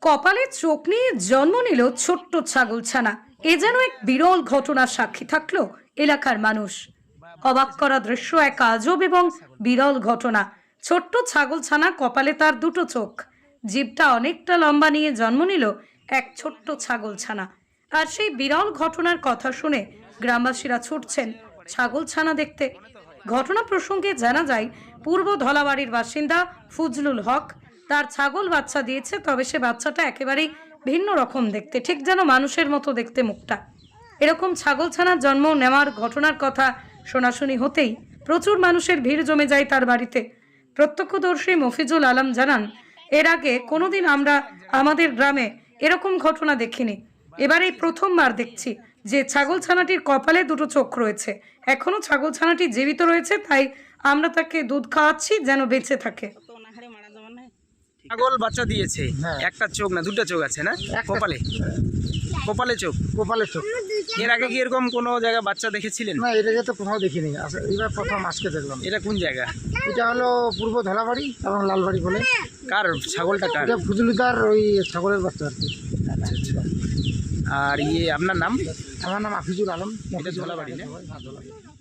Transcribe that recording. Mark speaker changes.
Speaker 1: কপালে চোখ নিয়ে জন্ম নিল ছোট্ট ছাগলছানা। এ যেন এক বিরল ঘটনার সাক্ষী থাকলো এলাকার মানুষ। অবাক করা দৃশ্য, এক আজব এবং বিরল ঘটনা। ছোট্ট ছাগলছানা, কপালে তার দুটো চোখ, জিভটা অনেকটা লম্বা নিয়ে জন্ম নিল এক ছোট্ট ছাগলছানা। আর সেই বিরল ঘটনার কথা শুনে গ্রামবাসীরা ছুটছেন ছাগলছানা দেখতে। ঘটনা প্রসঙ্গে জানা যায়, পূর্ব ধলাবাড়ির বাসিন্দা ফজলুল হক তার ছাগল বাচ্চা দিয়েছে। তবে সে বাচ্চাটা একেবারেই ভিন্ন রকম দেখতে, ঠিক যেন মানুষের মতো দেখতে মুখটা। এরকম ছাগলছানার জন্ম নেওয়ার ঘটনার কথা শোনাশুনি হতেই প্রচুর মানুষের ভিড় জমে যায় তার বাড়িতে। প্রত্যক্ষদর্শী মফিজুল আলম জানান, এর আগে কোনোদিন আমরা আমাদের গ্রামে এরকম ঘটনা দেখিনি। এবার এই প্রথমবার দেখছি যে ছাগলছানাটির কপালে দুটো চোখ রয়েছে। এখনো ছাগলছানাটি জীবিত রয়েছে, তাই আমরা তাকে দুধ খাওয়াচ্ছি যেন বেঁচে থাকে।
Speaker 2: ছাগল বাচ্চা দিয়েছে, একটা চোখ না দুটো চোখ আছে না কপালে? কপালে চোখ,
Speaker 3: কপালের চোখ।
Speaker 2: এর আগে কি এরকম কোনো জায়গায় বাচ্চা দেখেছিলেন?
Speaker 3: না, এটাকে তো কোথাও দেখিনি, এবার প্রথম আজকে দেখলাম।
Speaker 2: এটা কোন জায়গা?
Speaker 3: এটা হলো পূর্ব ধলাবাড়ি এবং লালবাড়ি বলে।
Speaker 2: কার ছাগলটা কার?
Speaker 3: এটা ফজলুদার ওই ছাগলের বাচ্চা আর কি।
Speaker 2: আচ্ছা আচ্ছা। আর আপনার নাম?
Speaker 3: আমার নাম আফিজুল আলম।
Speaker 2: এটা ধলাবাড়ি না?
Speaker 3: হ্যাঁ, ধলাবাড়ি।